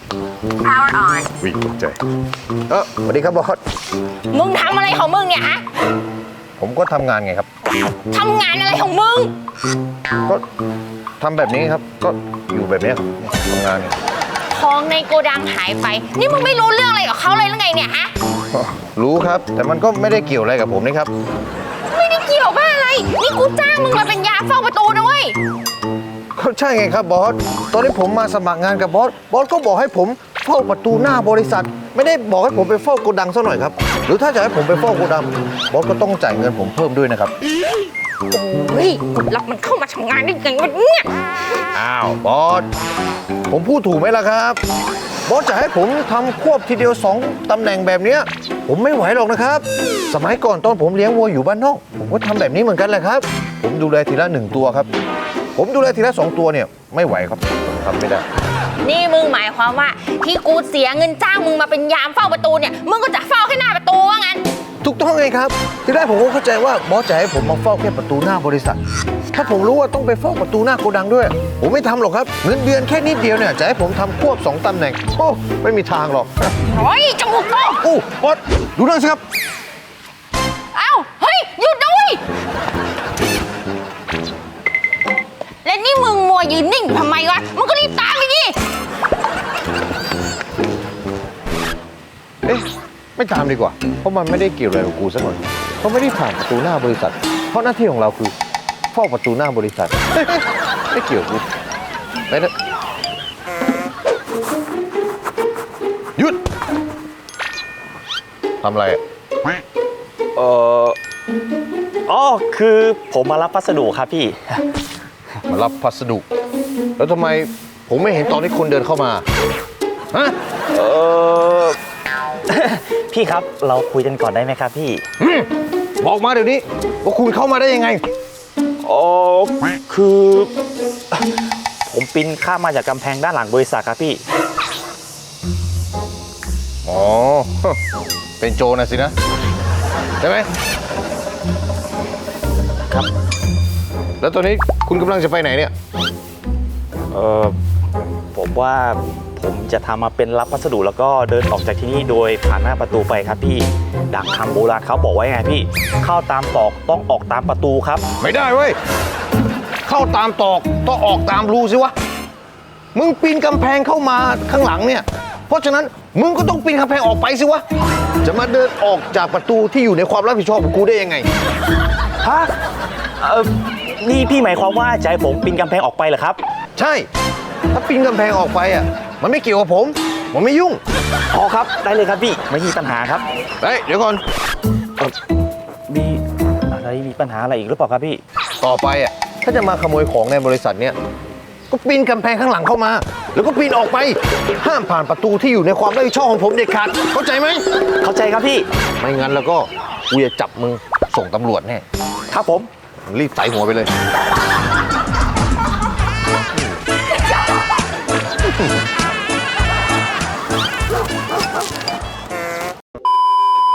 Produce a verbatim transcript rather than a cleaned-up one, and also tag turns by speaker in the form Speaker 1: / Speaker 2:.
Speaker 1: Power on
Speaker 2: วิ่งตกใจเออสวัสดีครับบอส
Speaker 1: มึงทำอะไรของมึงเนี่ยฮะ
Speaker 2: ผมก็ทำงานไงครับ
Speaker 1: ทำงานอะไรของมึง
Speaker 2: ก็ทำแบบนี้ครับ ก็อยู่แบบนี้ครับทำงาน
Speaker 1: ของในโกดังหายไป นี่มึงไม่รู้เรื่องอะไรกับเขาเลยหรือไงเนี่ยฮะ
Speaker 2: รู้ครับ แต่มันก็ไม่ได้เกี่ยวอะไรกับผมนี่ครับ
Speaker 1: ไม่ได้เกี่ยวบ้าอะไร นี่กูจ้างมึงมาเป็นยามเฝ้าประตูนะเว้ย
Speaker 2: ก็ใช่ไงครับบอส ตอนที่ผมมาสมัครงานกับบอส บอสก็บอกให้ผมเฝ้าประตูหน้าบริษัท ไม่ได้บอกให้ผมไปเฝ้าโกดังซะหน่อยครับ หรือถ้าจะให้ผมไปเฝ้าโกดัง บอสก็ต้องจ่ายเงินผมเพิ่มด้วยนะครับ
Speaker 1: โอ้ยกูรับมันเข้ามาทำงานได้ยังไงวะเนี่ย
Speaker 2: อ้าวบอส ผมพูดถูกไหมล่ะครับ บอสจะให้ผมทำควบทีเดียวสองตำแหน่งแบบเนี้ยผมไม่ไหวหรอกนะครับ สมัยก่อนตอนผมเลี้ยงวัวอยู่บ้านนอก ผมก็ทำแบบนี้เหมือนกันแหละครับ ผมดูแลทีละหนึ่งตัวครับ ผมดูแลทีละสองตัวเนี่ยไม่ไหวครับผมทำไม่ได้
Speaker 1: นี่มึงหมายความว่าที่กูเสียเงินจ้างมึงมาเป็นยามเฝ้าประตูเนี่ย มึงก็จะเฝ้าแค่หน้าประตูว่างั้น
Speaker 2: ถูกต้องไงครับ ที่แรกผมก็เข้าใจว่าบอสจะให้ผมมาเฝ้าแค่ประตูหน้าบริษัท ถ้าผมรู้ว่าต้องไปเฝ้าประตูหน้าโกดังด้วย ผมไม่ทำหรอกครับ เงินเดือนแค่นิดเดียวเนี่ยจะให้ผมทำควบสองตำแหน่งโอ้ไม่มีทางหรอก
Speaker 1: โอ้ยจมูกโต
Speaker 2: โอ้บอสดูนั่นสิครับ
Speaker 1: เอ้า เฮ้ย หยุดด้วยและนี่มึงมัวยืนนิ่งอยู่ทำไมวะ มึงก็รีบตามไปดิ
Speaker 2: เอ๊ะไม่ตามดีกว่า เพราะมันไม่ได้เกี่ยวอะไรกับกูสักหน่อยเขาไม่ได้ผ่านประตูหน้าบริษัท เพราะหน้าที่ของเราคือเฝ้าประตูหน้าบริษัท ไม่เกี่ยวกูไปเถอะหยุดทำอะไรอ่ะ
Speaker 3: เอ่ออ๋อคือผมมารับพัสดุครับพี่
Speaker 2: มารับพัสดุ แล้วทำไมผมไม่เห็นตอนที่คุณเดินเข้ามาฮะ
Speaker 3: เออ พี่ครับเราคุยกันก่อนได้ไหมครับพี่
Speaker 2: อืมบอกมาเดี๋ยวนี้ว่าคุณเข้ามาได้ยังไง
Speaker 3: อ๋อคือ ผมปีนข้ามมาจากกำแพงด้านหลังบริษัทครับพี่
Speaker 2: อ๋อ เป็นโจรนะสินะ ใช่ไหม
Speaker 3: ครับ
Speaker 2: แล้วตอนนี้คุณกำลังจะไปไหนเนี่ย
Speaker 3: เออผมว่าผมจะทำมาเป็นรับพัสดุแล้วก็เดินออกจากที่นี่โดยผ่านหน้าประตูไปครับพี่ดังคำโบราณเขาบอกไว้ไงพี่ เข้าตามตอกต้องออกตามประตูครับ
Speaker 2: ไม่ได้เว้ย เข้าตามตอกต้องออกตามรูสิวะ มึงปีนกำแพงเข้ามาข้างหลังเนี่ย เพราะฉะนั้นมึงก็ต้องปีนกำแพงออกไปสิวะ จะมาเดินออกจากประตูที่อยู่ในความรับผิดชอบของกูได้ยังไง
Speaker 3: ฮะ เออนี่พี่หมายความว่าจะให้ผมปีนกำแพงออกไปเหรอครับ
Speaker 2: ใช่ ถ้าปีนกำแพงออกไปอ่ะ มันไม่เกี่ยวกับผม ผมไม่ยุ่ง
Speaker 3: อ๋อครับ ได้เลยครับพี่ ไม่มีปัญหาครับ
Speaker 2: เฮ้ย เดี๋ยวก่อน
Speaker 3: เอ่อมีอะไรมีปัญหาอะไรอีกหรือเปล่าครับพี่
Speaker 2: ต่อไปอ่ะ ถ้าจะมาขโมยของในบริษัทเนี่ย ก็ปีนกำแพงข้างหลังเข้ามา แล้วก็ปีนออกไป ห้ามผ่านประตูที่อยู่ในความรับผิดชอบของผมเด็ดขาด เข้าใจไหม
Speaker 3: เข้าใจครับพี่
Speaker 2: ไม่งั้นแล้วก็กูจะจับมึงส่งตำรวจแน่
Speaker 3: ครับผม
Speaker 2: รีบใส่หัวไปเลย